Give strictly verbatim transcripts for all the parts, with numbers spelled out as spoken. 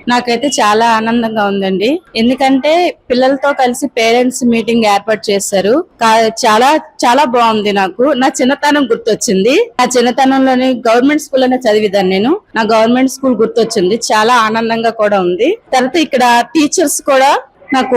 నాకైతే చాలా ఆనందంగా ఉందండి. ఎందుకంటే పిల్లలతో కలిసి పేరెంట్స్ మీటింగ్ ఏర్పాటు చేశారు. కా- చాలా చాలా బాగుంది. నాకు నా చిన్నతనం గుర్తొచ్చింది. నా చిన్నతనంలోని గవర్నమెంట్ స్కూల్ అనే చదివిదాన్ని నేను. నా గవర్నమెంట్ స్కూల్ గుర్తొచ్చింది. చాలా ఆనందంగా కూడా ఉంది. తర్వాత ఇక్కడ టీచర్స్ కూడా నాకు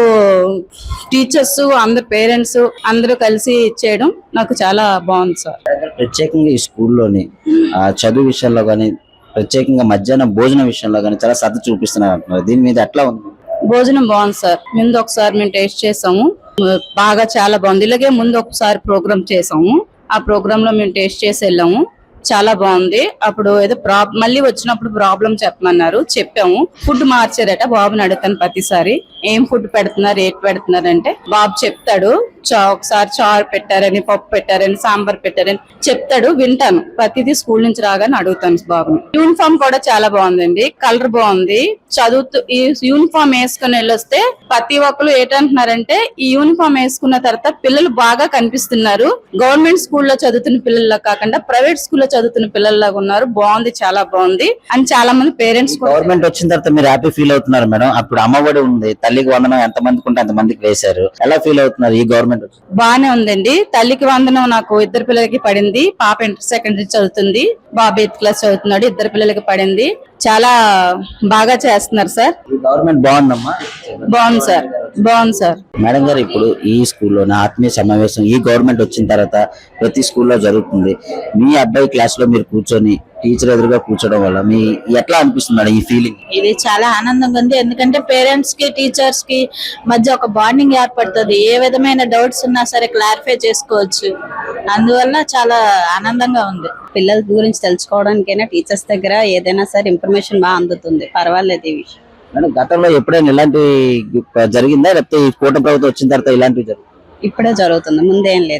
టీచర్స్ అందరు పేరెంట్స్ అందరూ కలిసి చేయడం నాకు చాలా బాగుంది సార్. ప్రత్యేకంగా ఈ స్కూల్లోని ఆ చదువు విషయంలో కానీ, ప్రత్యేకంగా మధ్యాహ్నం భోజనం విషయంలో కానీ చాలా శ్రద్ధ చూపిస్తున్నారు అంటున్నారు. దీని మీద ఎట్లా ఉంది? భోజనం బాగుంది సార్. ముందు ఒకసారి మేము టేస్ట్ చేసాము, బాగా చాలా బాగుంది. ఇలాగే ముందు ఒకసారి ప్రోగ్రామ్ చేసాము. ఆ ప్రోగ్రామ్ లో మేము టేస్ట్ చేసి వెళ్ళాము. చాలా బాగుంది. అప్పుడు ఏదో ప్రాబ్ మళ్ళీ వచ్చినప్పుడు ప్రాబ్లం చెప్పమన్నారు, చెప్పాము. ఫుడ్ మార్చారట. బాబుని అడుగుతాను ప్రతిసారి ఏం ఫుడ్ పెడుతున్నారు, ఏటి పెడుతున్నారు అంటే బాబు చెప్తాడు. చా ఒకసారి చారు పెట్టారని, పప్పు పెట్టారని, సాంబార్ పెట్టారని చెప్తాడు. వింటాను. ప్రతిదీ స్కూల్ నుంచి రాగానే అడుగుతాను బాబుని. యూనిఫామ్ కూడా చాలా బాగుందండి. కలర్ బాగుంది. చదువుతూ ఈ యూనిఫామ్ వేసుకుని వెళ్ళొస్తే ప్రతి ఒక్కరు ఏంటంటున్నారంటే ఈ యూనిఫామ్ వేసుకున్న తర్వాత పిల్లలు బాగా కనిపిస్తున్నారు. గవర్నమెంట్ స్కూల్లో చదువుతున్న పిల్లల్లా కాకుండా ప్రైవేట్ స్కూల్లో చదువుతున్న పిల్లల్లాగా ఉన్నారు. బాగుంది, చాలా బాగుంది అని చాలా మంది పేరెంట్స్. గవర్నమెంట్ వచ్చిన తర్వాత మీరు హ్యాపీ ఫీల్ అవుతున్నారు మేడం? అప్పుడు అమ్మఒడి ఉంది, తల్లికి వందనం ఎంత మందికి ఉంటే అంత మందికి వేశారు. ఎలా ఫీల్ అవుతున్నారు ఈ గవర్నమెంట్? బానే ఉందండి. తల్లికి వందనం నాకు ఇద్దరు పిల్లలకి పడింది. పాప ఇంటర్ సెకండరీ చదువుతుంది, బాబు ఎయిత్ క్లాస్ చదువుతున్నాడు. ఇద్దరు పిల్లలకి పడింది. చాలా బాగా చేస్తున్నారు సార్. గవర్నమెంట్ బాగుందమ్మా? బాగుంది సార్, బాగుంది సార్. మేడం గారు, ఇప్పుడు ఈ స్కూల్లోనే ఆత్మీయ సమావేశం ఈ గవర్నమెంట్ వచ్చిన తర్వాత ప్రతి స్కూల్లో జరుగుతుంది. మీ అబ్బాయి క్లాస్ లో మీరు కూర్చొని టీచర్ ఎదురుగా కూర్చోవడం వల్ల మీ ఎట్లా అనిపిస్తుంది మేడం ఈ ఫీలింగ్? ఇది చాలా ఆనందంగా ఉంది. ఎందుకంటే పేరెంట్స్ కి టీచర్స్ కి మధ్య ఒక బాండింగ్ ఏర్పడుతుంది. ఏ విధమైన డౌట్స్ ఉన్నా సరే క్లారిఫై చేసుకోవచ్చు. అందువల్ల చాలా ఆనందంగా ఉంది. పిల్లల గురించి తెలుసుకోవడానికైనా టీచర్స్ దగ్గర ఏదైనా సరే ఇన్ఫర్మేషన్ బాగా అందుతుంది. పర్వాలేదు ఈ విషయం. మేడం, గతంలో ఎప్పుడైనా ఇలాంటి జరిగిందా, లేకపోతే ఈ కూటమి ప్రభుత్వం వచ్చిన తర్వాత ఇలాంటివి జరుగుతుంది? ఇప్పుడే జరుగుతుంది, ముందేం లేదు.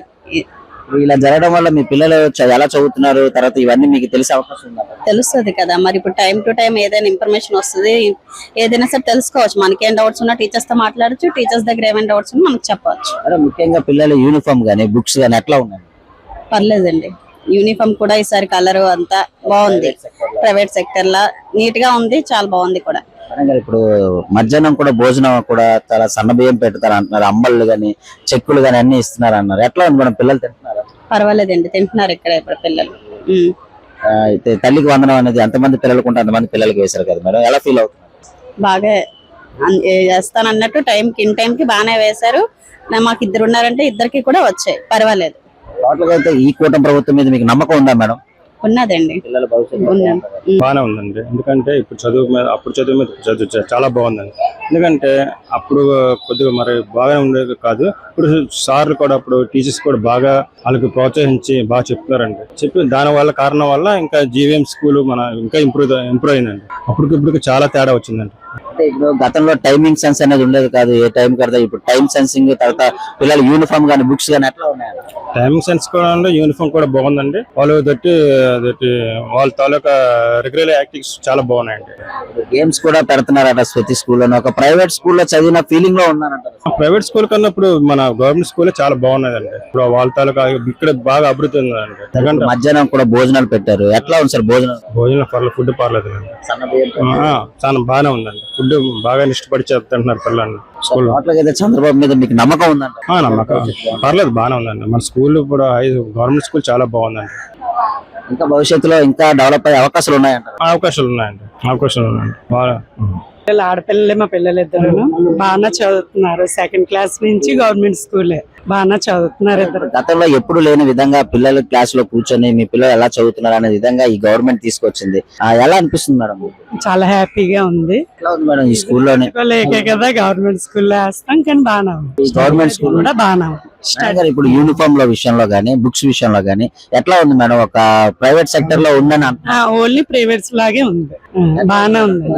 ఇలా జరగడం వల్ల మీ పిల్లలు చ- ఎలా చదువుతున్నారు, తర్వాత ఇవన్నీ మీకు తెలిసే అవకాశం ఉందా? తెలుస్తుంది కదా మరి. ఇప్పుడు టైం టు టైం ఏదైనా ఇన్ఫర్మేషన్ వస్తుంది. ఏదైనా సరే తెలుసుకోవచ్చు. మనకేం డౌట్స్ ఉన్నా టీచర్స్ తో మాట్లాడచ్చు. టీచర్స్ దగ్గర ఏమైనా డౌట్స్ ఉన్నా మనకు చెప్పవచ్చు. మేడం, ముఖ్యంగా పిల్లల యూనిఫామ్ గానీ బుక్స్ గానీ ఎట్లా ఉన్నాయి? పర్లేదండి. యూనిఫామ్ కూడా ఈసారి కలర్ అంతా బాగుంది. ప్రైవేట్ సెక్టర్ లా నీట్ గా ఉంది. చాలా బాగుంది కూడా. మేడం గారు, ఇప్పుడు మధ్యాహ్నం కూడా భోజనం కూడా చాలా సన్న బియ్యం పెడతారు అంటున్నారు. అంబళ్ళు గానీ చెక్కులు గానీ అన్ని ఇస్తున్నారు అన్నారు. ఎట్లా ఉంది మేడం, పిల్లలు తింటున్నారా? పర్వాలేదండి, తింటున్నారు ఇక్కడ ఇప్పుడు పిల్లలు. ఉమ్. ఆ, అయితే తల్లికి వందనం అనేది ఎంతమంది పిల్లలకు ఉంటే అంతమంది పిల్లలకి వేశారు కదా మేడం, ఎలా ఫీల్ అవుతున్నారు? బాగా అన్- ఏ చేస్తాను అన్నట్టు టైంకి ఇన్ టైంకి బాగానే వేశారు. నా- మాకు ఇద్దరు ఉన్నారంటే ఇద్దరికి కూడా వచ్చాయి. పర్వాలేదు. టోటల్ గా అయితే ఈ కూటమి ప్రభుత్వం మీద మీకు నమ్మకం ఉందా మేడం? ఉన్నదండి, పిల్లల భవిష్యత్తు ఉన్నది. ఉమ్. బాగానే ఉందండి. ఎందుకంటే ఇప్పుడు చదువు మీద అప్పుడు చదువు మీద చదువు చ- చాలా బాగుందండి. ఎందుకంటే అప్పుడు కొద్దిగా మరి బాగానే ఉండేది కాదు. ఇప్పుడు సార్లు కూడా అప్పుడు టీచర్స్ కూడా బాగా వాళ్ళకి ప్రోత్సహించి బాగా చెప్తున్నారండి. చెప్పి దాని వల్ల కారణం వల్ల ఇంకా జీవీఎం స్కూల్ మన ఇంకా ఇంప్రూవ్ ఇంప్రూవ్ అయిందండి. అప్పటికి ఇప్పుడు చాలా తేడా వచ్చిందండి. అంటే ఇప్పుడు గతంలో టైమింగ్ సెన్స్ అనేది ఉండేది కాదు, ఏ టైం కడతా. ఇప్పుడు టైం సెన్సింగ్, తర్వాత పిల్లల యూనిఫామ్ గానీ బుక్స్ గానీ ఎట్లా ఉన్నాయి? టైమింగ్ సెన్స్ కూడా ఉంది. యూనిఫామ్ కూడా బాగుందండి. వాళ్ళు తట్టి తట్టి వాళ్ళ తాలూకా రెగ్యులర్ యాక్టివిటీస్ చాలా బాగున్నాయండి. గేమ్స్ కూడా పెడుతున్నారట ప్రతి స్కూల్లో. ఒక ప్రైవేట్ స్కూల్లో చదివిన ఫీలింగ్ లో ఉన్నారంట. ప్రైవేట్ స్కూల్ కన్నా ఇప్పుడు మన గవర్నమెంట్ స్కూల్ చాలా బాగున్నదండి. ఇప్పుడు వాళ్ళ తాలూకా ఇక్కడ బాగా అభివృద్ధి ఉందండి. ఎందుకంటే మధ్యాహ్నం కూడా భోజనాలు పెట్టారు. ఎట్లా ఉంది సార్ భోజనం? భోజనం పర్లేదు, ఫుడ్ పర్లేదు. సన్న బియ్యం ఆ, చాలా బాగానే ఉందండి. ఫుడ్ బాగా ఇష్టపడి చెప్తుంటున్నారు పిల్లల్ని స్కూల్. టోటల్ అయితే చంద్రబాబు మీద మీకు నమ్మకం ఉందంట? నమ్మకం పర్లేదు, బాగానే ఉందండి. మన స్కూల్ ఇప్పుడు ఐదు గవర్నమెంట్ స్కూల్ చాలా బాగుందండి. ఇంకా భవిష్యత్తులో ఇంకా డెవలప్ అయ్యే అవకాశాలు ఉన్నాయంట? అవకాశాలు ఉన్నాయండి, అవకాశాలు ఉన్నాయండి బాగా. పిల్లలు ఆడపిల్లలే మా పిల్లలు ఇద్దరు బాగా చదువుతున్నారు. సెకండ్ క్లాస్ నుంచి గవర్నమెంట్ స్కూలే బాగా చదువుతున్నారు ఇద్దరు. గతంలో ఎప్పుడు లేని విధంగా పిల్లలు క్లాస్ లో కూర్చొని మీ పిల్లలు ఎలా చదువుతున్నారు అనే విధంగా ఈ గవర్నమెంట్ తీసుకొచ్చింది. ఆ, ఎలా అనిపిస్తుంది మేడం? చాలా హ్యాపీగా ఉంది. ఎట్లా ఉంది మేడం ఈ స్కూల్లోనే? లేకే కదా గవర్నమెంట్ స్కూల్లో వేస్తాం, కానీ బాగా ఉంది. గవర్నమెంట్ స్కూల్ కూడా బాగా ఉంది. ఇప్పుడు యూనిఫామ్ లో విషయంలో గానీ బుక్స్ విషయంలో గానీ ఎట్లా ఉంది మేడం? ఒక ప్రైవేట్ సెక్టర్ లో ఉందని అంటున్నారు. ఓన్లీ ప్రైవేట్స్ లాగే ఉంది. బాగానే ఉంది.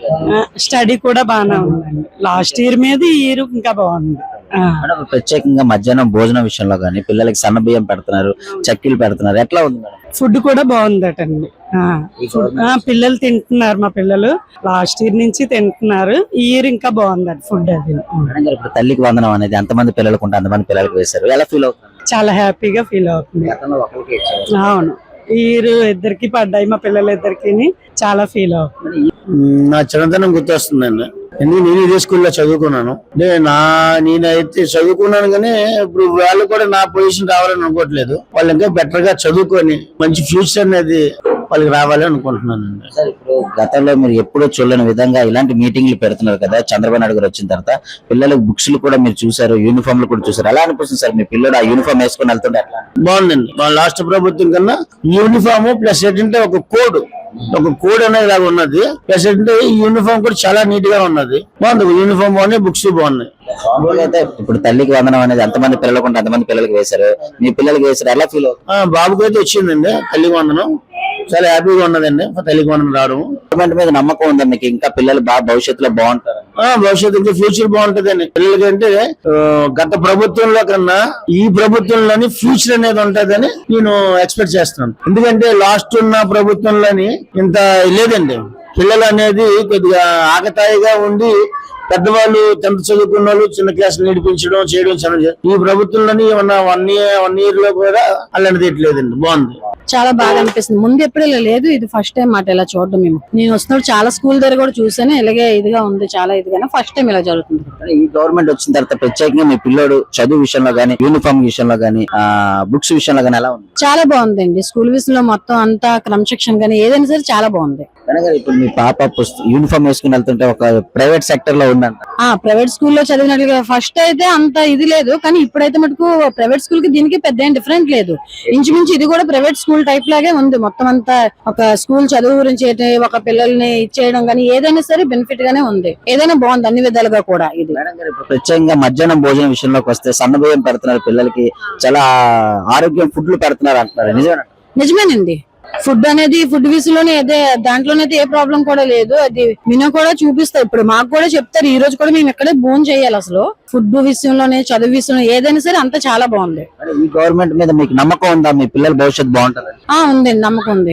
స్టడీ కూడా బాగానే ఉందండి. లాస్ట్ ఇయర్ మీద ఈ ఇయర్ ఇంకా బాగుంది. ఆ. మేడం, ప్రత్యేకంగా మధ్యాహ్నం భోజనం విషయంలో గానీ పిల్లలకి సన్న బియ్యం పెడుతున్నారు, చక్కీలు పెడుతున్నారు. ఎట్లా ఉంది మేడం? ఫుడ్ కూడా బాగుందటండి. ఆ, ఆ, పిల్లలు తింటున్నారు. మా పిల్లలు లాస్ట్ ఇయర్ నుంచి తింటున్నారు. ఈ ఇయర్ ఇంకా బాగుందట ఫుడ్. అది మేడం గారు, ఇప్పుడు తల్లికి వందనం అనేది ఎంతమంది పిల్లలకు ఉంటే అంతమంది పిల్లలకు వేశారు. ఎలా ఫీల్ అవుతుంది? చాలా హ్యాపీగా ఫీల్ అవుతుంది. గతంలో ఒకరికి ఇచ్చారు. అవును, ఈరు ఇద్దరికి పడ్డాయి మా పిల్లలు ఇద్దరికి చాలా ఫీల్ అవుతుంది. నా చిన్నతనం గుర్తొస్తుందండి. ఎందుకు నేను ఇదే స్కూల్లో చదువుకున్నాను. అంటే నా నేనైతే చదువుకున్నాను కానీ ఇప్పుడు వాళ్ళు కూడా నా పొజిషన్ రావాలని అనుకోవట్లేదు. వాళ్ళు ఇంకా బెటర్ గా చదువుకొని మంచి ఫ్యూచర్ అనేది వాళ్ళకి రావాలి అనుకుంటున్నానండి. సార్ ఇప్పుడు గతంలో మీరు ఎప్పుడూ చూడలేని విధంగా ఇలాంటి మీటింగ్లు పెడుతున్నారు కదా చంద్రబాబు నాయుడు గారు వచ్చిన తర్వాత. పిల్లలకు బుక్స్ కూడా మీరు చూసారు, యూనిఫామ్లు కూడా చూసారు. ఎలా అనిపిస్తుంది సార్ మీ పిల్లలు ఆ యూనిఫామ్ వేసుకొని వెళ్తుంటే? ఎట్లా బాగుందండి. మా లాస్ట్ ప్రభుత్వం కన్నా యూనిఫామ్ ప్లస్ ఏంటంటే ఒక కోడ్ ఒక కోడ్ అనేది లాగా ఉన్నది. ప్లస్ ఏంటంటే ఈ యూనిఫామ్ కూడా చాలా నీట్ గా ఉన్నది. బాగుంది. యూనిఫామ్ బాగున్నాయి, బుక్స్ బాగున్నాయి. మామూలుగా అయితే ఇప్పుడు తల్లికి వందనం అనేది ఎంతమంది పిల్లలకు ఉంటే అంతమంది పిల్లలకి వేశారు. మీ పిల్లలకి వేశారు, ఎలా ఫీల్ అవుతుంది? ఆ బాబుకి అయితే వచ్చిందండి తల్లికి వందనం. చాలా హ్యాపీగా ఉన్నదండి తల్లికి వందనం రావడం. గవర్నమెంట్ మీద నమ్మకం ఉందా మీకు? ఇంకా పిల్లలు బాగా భవిష్యత్తులో బాగుంటారు? ఆ భవిష్యత్తు ఫ్యూచర్ బాగుంటదండి పిల్లలకంటే. ఆ, గత ప్రభుత్వంలో కన్నా ఈ ప్రభుత్వంలోని ఫ్యూచర్ అనేది ఉంటదని నేను ఎక్స్పెక్ట్ చేస్తున్నాను. ఎందుకంటే లాస్ట్ ఉన్న ప్రభుత్వంలోని ఇంత లేదండి. పిల్లలు అనేది కొద్దిగా ఆకతాయిగా ఉండి పెద్దవాళ్ళు టెన్త్ చదువుకున్న వాళ్ళు చిన్న క్లాస్ నేర్పించడం చేయడం చాలా. ఈ ప్రభుత్వంలోని ఉన్న వన్ ఇయర్ వన్ ఇయర్ లో కూడా అలాంటిది ఎట్లేదండి. బాగుంది. చాలా బాగా అనిపిస్తుంది. ముందు ఎప్పుడు ఇలా లేదు, ఇది ఫస్ట్ టైం మాట ఇలా చూడడం. మేము నేను వస్తున్నప్పుడు చాలా స్కూల్ దగ్గర కూడా చూసాను, ఇలాగే ఇదిగా ఉంది, చాలా ఇదిగా ఫస్ట్ టైం ఇలా జరుగుతుంది. ఈ గవర్నమెంట్ వచ్చిన తర్వాత ప్రత్యేకంగా మీ పిల్లోడు చదువు విషయంలో గానీ, యూనిఫామ్ విషయంలో గానీ, ఆ బుక్స్ విషయంలో గానీ ఎలా ఉంది? చాలా బాగుందండి. స్కూల్ విషయంలో మొత్తం అంతా క్రమశిక్షణ గానీ ఏదైనా సరే చాలా బాగుంది. కనుక ఇప్పుడు మీ పాప యూనిఫామ్ వేసుకుని వెళ్తుంటే ఒక ప్రైవేట్ సెక్టర్ లో ఉందంట. ఆ ప్రైవేట్ స్కూల్లో చదివినట్లుగా ఫస్ట్ అయితే అంత ఇది లేదు, కానీ ఇప్పుడైతే మటుకు ప్రైవేట్ స్కూల్ కి దీనికి పెద్ద ఏం డిఫరెంట్ లేదు. ఇంచుమించు ఇది కూడా ప్రైవేట్ స్కూల్ టైప్ లాగే ఉంది. మొత్తం అంతా ఒక స్కూల్ చదువు గురించి ఒక పిల్లల్ని ఇచ్చేయడం గానీ ఏదైనా సరే బెనిఫిట్ గానే ఉంది. ఏదైనా బాగుంది అన్ని విధాలుగా కూడా. ఇది ప్రత్యేకంగా మధ్యాహ్నం భోజనం విషయంలోకి వస్తే సన్నబియ్యం పెడుతున్నారు పిల్లలకి, చాలా ఆరోగ్యం ఫుడ్లు పెడుతున్నారు అంటున్నారు, నిజమేనా? నిజమేనండి. ఫుడ్ అనేది ఫుడ్ విషయంలోనే అదే దాంట్లోనైతే ఏ ప్రాబ్లం కూడా లేదు. అది మినో కూడా చూపిస్తారు. ఇప్పుడు మాకు కూడా చెప్తారు. ఈ రోజు కూడా మేము ఇక్కడే భోజనం చేయాలి. అసలు ఫుడ్ విషయంలోనే చదువు విషయంలో ఏదైనా సరే అంతా చాలా బాగుంది. ఈ గవర్నమెంట్ మీద మీకు నమ్మకం ఉందా? మీ పిల్లల భవిష్యత్తు బాగుంటుంది? ఆ ఉందండి, నమ్మకం ఉంది.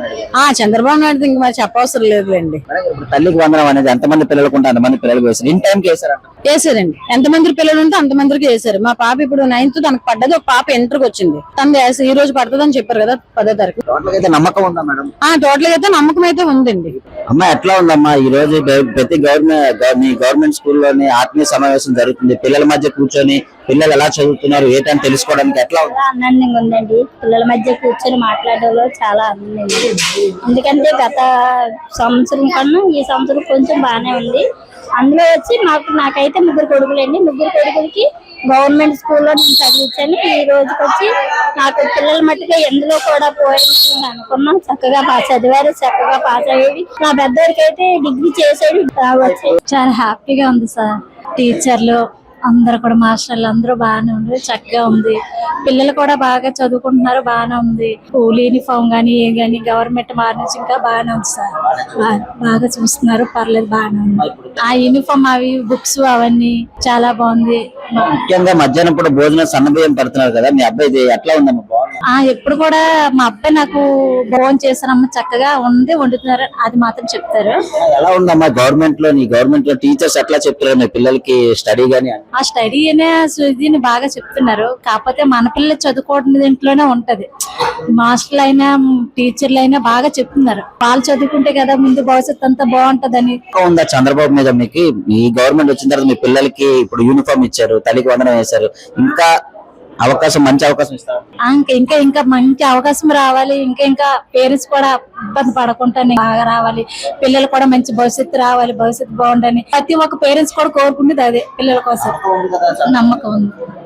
ఆ చంద్రబాబు నాయుడు ఇంక మరి చెప్పవసరం లేదులేండి. తల్లికి వందనం అనేది ఎంతమంది పిల్లలకు ఉంటే అంతమంది పిల్లలకు వేశారు. ఇన్ టైంకి వేశారంట. వేసారండి. ఎంతమంది పిల్లలు ఉంటే అంతమందికి వేసారు. మా పాప ఇప్పుడు నైన్త్ తనకు పడ్డది, ఒక పాప ఎంటర్కి వచ్చింది. తను ఈ రోజు పడుతుంది అని చెప్పారు కదా పదో తారీఖు. టోటల్ అయితే నమ్మకం ఉందా మేడం? ఆ టోటల్ గా అయితే నమ్మకం అయితే ఉందండి. అమ్మా ఎట్లా ఉందమ్మా ఈ రోజు ప్రతి గవర్నమెంట్ మీ గవర్నమెంట్ స్కూల్లోని ఆత్మీయ సమావేశం జరుగుతుంది. పిల్లల మధ్య కూర్చొని పిల్లలు ఎలా చదువుతున్నారు ఏంటని తెలుసుకోవడానికి ఎట్లా ఉంది? ఆనందంగా ఉందండి. పిల్లల మధ్య కూర్చొని మాట్లాడడంలో చాలా ఆనందంగా ఉంది. ఎందుకంటే గత సంవత్సరం కన్నా ఈ సంవత్సరం కొంచెం బాగానే ఉంది. అందులో వచ్చి మాకు నాకైతే ముగ్గురు కొడుకులండి. ముగ్గురు కొడుకులకి గవర్నమెంట్ స్కూల్లో నేను చదివించాను. ఈ రోజుకి వచ్చి నాకు పిల్లల మట్టుగా ఎందులో కూడా పోయింది అనుకున్నాం. చక్కగా పాస్ చదివారు, చక్కగా పాస్ అయ్యేది. నా పెద్దవారికి అయితే డిగ్రీ చేసేది రావచ్చు. చాలా హ్యాపీగా ఉంది సార్. టీచర్లు అందరు కూడా మాస్టర్లు అందరూ బాగానే ఉంది, చక్కగా ఉంది. పిల్లలు కూడా బాగా చదువుకుంటున్నారు, బాగానే ఉంది. స్కూల్ యూనిఫామ్ గానీ ఏ గానీ గవర్నమెంట్ మార్నింగ్ ఇంకా బాగానే ఉంది సార్. బాగా చూస్తున్నారు, పర్లేదు, బాగానే ఉంది. ఆ యూనిఫామ్ అవి బుక్స్ అవన్నీ చాలా బాగుంది. ముఖ్యంగా మధ్యాహ్నం కూడా భోజనం సన్నబియ్యం పెడుతున్నారు కదా, మీ అబ్బాయి ఎట్లా ఉందమ్మా? ఆ ఎప్పుడు కూడా మా అబ్బాయి నాకు భోజనం చేశారమ్మ, చక్కగా ఉంది, వండుతున్నారు, అది మాత్రం చెప్తారు. ఎలా ఉందమ్మా గవర్నమెంట్ లో? నీ గవర్నమెంట్ లో టీచర్స్ ఎట్లా చెప్తారు మీ పిల్లలకి స్టడీ గానీ? ఆ స్టడీ అనే దీన్ని బాగా చెప్తున్నారు. కాకపోతే మన పిల్లలు చదువుకోవడం దీంట్లోనే ఉంటది. మాస్టర్లు అయినా టీచర్లు అయినా బాగా చెప్తున్నారు. వాళ్ళు చదువుకుంటే కదా ముందు భవిష్యత్తు అంతా బాగుంటదని. ఉందా చంద్రబాబు మీద మీకు? ఈ గవర్నమెంట్ వచ్చిన తర్వాత మీ పిల్లలకి ఇప్పుడు యూనిఫామ్ ఇచ్చారు, తల్లికి వందనం వేశారు, ఇంకా అవకాశం మంచి అవకాశం ఇస్తారు. ఇంకా ఇంకా ఇంకా మంచి అవకాశం రావాలి. ఇంకా ఇంకా పేరెంట్స్ కూడా ఇబ్బంది పడకుండా బాగా రావాలి. పిల్లలు కూడా మంచి భవిష్యత్తు రావాలి, భవిష్యత్తు బాగుండని ప్రతి ఒక్క పేరెంట్స్ కూడా కోరుకునేది అదే పిల్లల కోసం. నమ్మకం ఉంది.